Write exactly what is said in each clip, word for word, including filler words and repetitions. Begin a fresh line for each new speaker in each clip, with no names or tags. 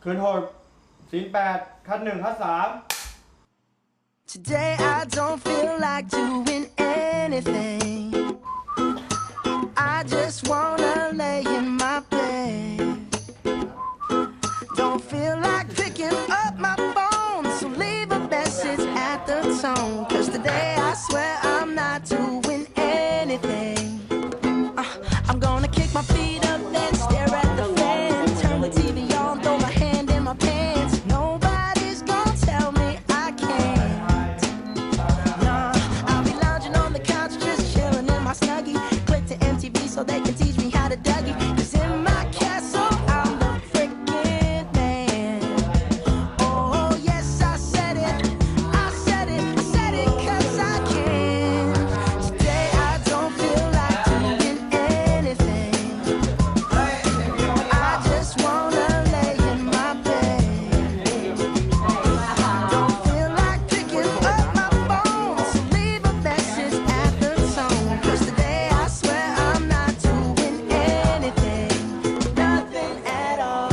คืนหกศีลแปดคัดหนึ่งคัดสาม
Today I don't feel like doing anything. I just wanna lay in my bed. Don't feel like picking up my phone, so leave a message at the tone. Cause today I swear I'm not doing anything. Uh, I'm gonna kick my feet up, then stare at the fan. Turn the T V on, throw my hand in my pants. Nobody's gonna tell me I can't. Nah, I'll be lounging on the couch, just chilling in my snuggie. Click to M T V so they can teach me how to Dougie. Cause in my castle, I'm the freaking man. Oh, yes, I said it. I said it. I said it cause I can. Today I don't feel like doing anything. I just wanna lay in my bed. Don't feel like picking up my phone, so leave a message at the tone. Cause today I swear I'm not doing anything. Nothing at all.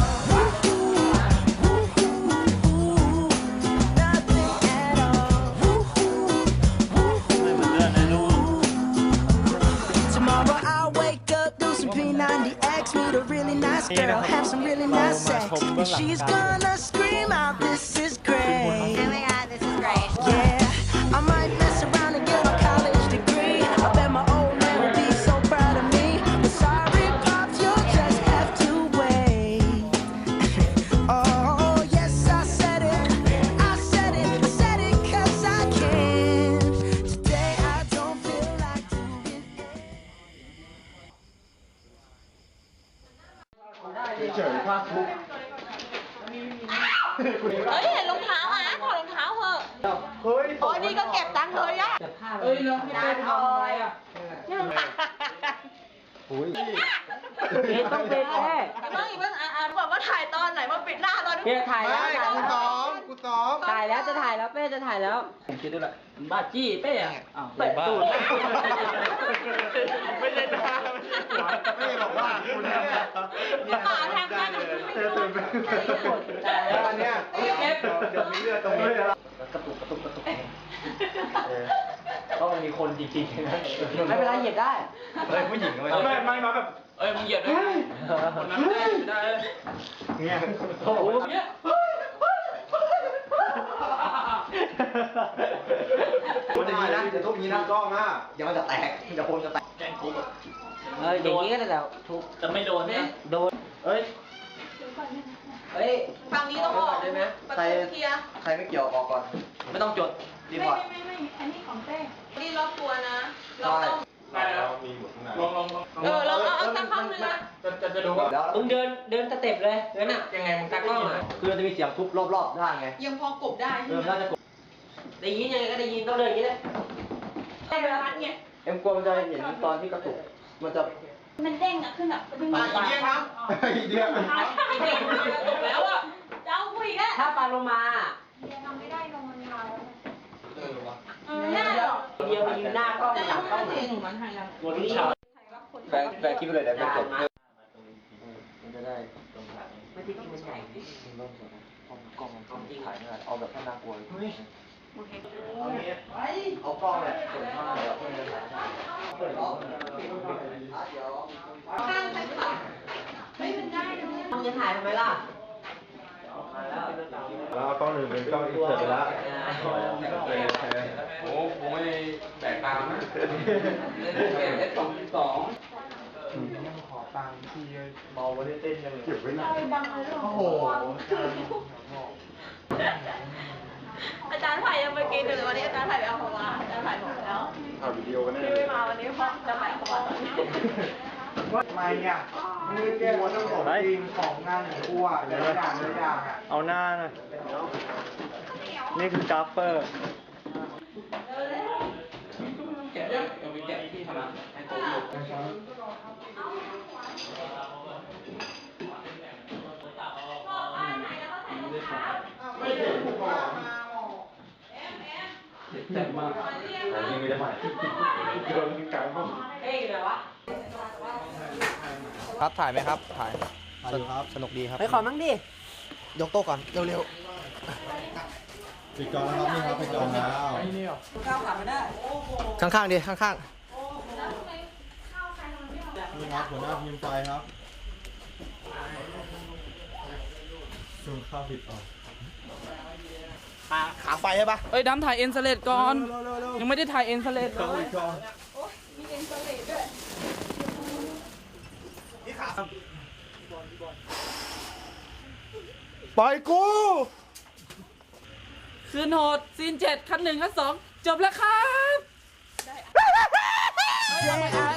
Nothing at all. Tomorrow I'll wake up, do some P ninety X, meet a really nice girl, have some really nice sex. And she's gonna scream out, this is great.
Oh my god, this is great.
Yeah, I might mess around and get a college degree. I bet my old man will be so proud of me. But sorry, Pops, you'll just have to wait. Oh, yes, I said it. I said it. I said it cause I can. Today I don't feel like doing it.
เฉยๆภาคบุ๊ก
เฮ้ยเห็นรองเท้าอ่ะถอดรองเท้าเหอะ
เฮ้ย
โอ้ยนี่ก็เก็บตังค์เลยอ่ะ
เอ้ยแล้วพี่เต้ไปทำอะไรอ่ะ
โอ้ย
เอ๊ะต้องเป็นแน่
เมื่อกี้เพิ่งอ่านบอกว่าถ่ายตอนไหนมาปิดหน้าตอนนี้
เฮ้ยถ่ายแล้ว
ไม่
ถ่าย
กู
แล้ว
ซ้อมกูซ้อม
ถ่ายแล้วจะถ่ายแล้วเป้จะถ่ายแล้วผมคิดด้วยแหละบ้าจี้เป้อะอ้าวเป้ตูด
ไม่ใช่หน้าไม่บอกว่าคุณเนี่ย
เปล่าแทงกัน
เธอตื่นไปแล้วอันเนี้ยเดี๋ยวมีเลือดตรงนี้กระตุกกระตุกกระตุกต้องมีคนจริงๆนะ
ไม่เป็นไรเหยียบได้
เฮ้ยผู้หญิงไม่ไม่ไม่มาแบบ
เอ้ยมึงเหยียดด้วยคนนั้นไม่ได้ไม่ได้เลย
เนี่ย
โอ้โห
เนี่ย
มันจะมีนะจะต้องมีนะกล้องอ่ะเดี๋ยวมันจะแตกเดี๋ยวคนจะแตก
แกงคุก
เอออย่างนี้ก็ได้แล้วทุก
จะไม่โดนนะ
โดน
เฮ้ย
เฮ้ย
ฝั่งนี้ต้องออกประตูเคลียร์
ใครไม่เกี่ยวออกก่อน
ไม่ต้องจด
รีพอร์ต
นี่ล็อกตัวนะล็อกต้อง
ได้แล้วลองลองลอง
เออเราเอาเอาสักครั้งนึงนะ
จะจะจะดูว่า
แล้ว
มึงเดินเดินสเต็ปเลยงั้นอ่ะยังไงมึงตากล้องอ่ะ
คือมันจะมีเสียงทุบรอบๆได้ไง
ยังพอกบได้
เริ่มน่าจะกด
ได้ยินยังไงก็ได้ยินต้องเดินอย่างนี้เลย
ได้เวลาพัดไง
เอ็มกลัวมันจะเห็นตอนที่กระตุกมันจะ
มันเด้งอะขึ้นแบบเป็น
อ่ะอีกเดียวครับ
อีเดียว
แล้วอะจะเอาผู้อีกแล้ว
ถ้าปลาโลมา
เออวะ
ไม่ได้หรอก
เดียวยืนหน้ากล้องหลังกล้อง
ตัวที่ฉา
แฟนแฟนคิดไปเลยได้เป็นกดมันจะได้
ไม่ที่มันใหญ่
กล้องมันกล้องที่ถ่ายไม่ได้เอาแบบให้น่ากลัวเลยเอากล้องเนี่ยเปิดมาแล้วเพื่อนจะถ่ายเปิดกล้องเดี๋ยว
ข้างไปค่ะไม่เป็นได้เลย
มึงจะถ่ายทำไมล่ะ
แล้วกล้องหนึ่งเป็นกล้องอินเสิร์ตแล้ว
โอ้ผมไม่ได้แบกตามนะ
เอสสองสอง
ขอตังค์ที่เมาวันนี้เต้นยังเก็บไว้หน่อยโอ้โห
อาจารย์ไผ่ยังไปกินเลยวันนี้อาจารย์ไผ่ไปเอาของมาอาจารย์ไผ่บอกแล้ว
ถ่ายวิดีโอกันแน่
ที่ไม่มาวันนี้เพราะจะไปของมาตอนนี้
ทำไมเนี่ยมือแก้วต้องของจริงของงานของกูอ่ะหลายอย่างหลายอย่างอ่ะเอาหน้าหน่อยนี่คือกราฟเปอร์
แกะยังยังมีแกะที่ทำนะให้โต๊ะอยู่
ไม่เห็นกูก่อน
แจ่มมาก
ยิงไม่ได้ไหมโดนกลางผม
เอ้ยอะไรวะ
ครับถ่ายไหมครับถ่ายสนุกครับสนุกดีครับ
ไปขอมั่งดิ
ยกโต๊ะก่อนเร็ว
ปิดจอแล้วครับนี่ครับปิดจอแล้ว
ๆข้างๆดิข้าง
นี่ครับหัวหน้าทีมไฟครับซูมข้าวผิดออก
ๆขาขาไฟใช่ปะ
เอ้ยดำถ่ายเอ็นสเลดก่อน ยังไม่ได้ถ่ายเอ็นสเลดเล
ช่อง
ย
อีกช่อง
นี่ขาปล่อยกู
คืนโหดซีนเจ็ดคันหนึ่งคันสองจบแล้วครับ
Today I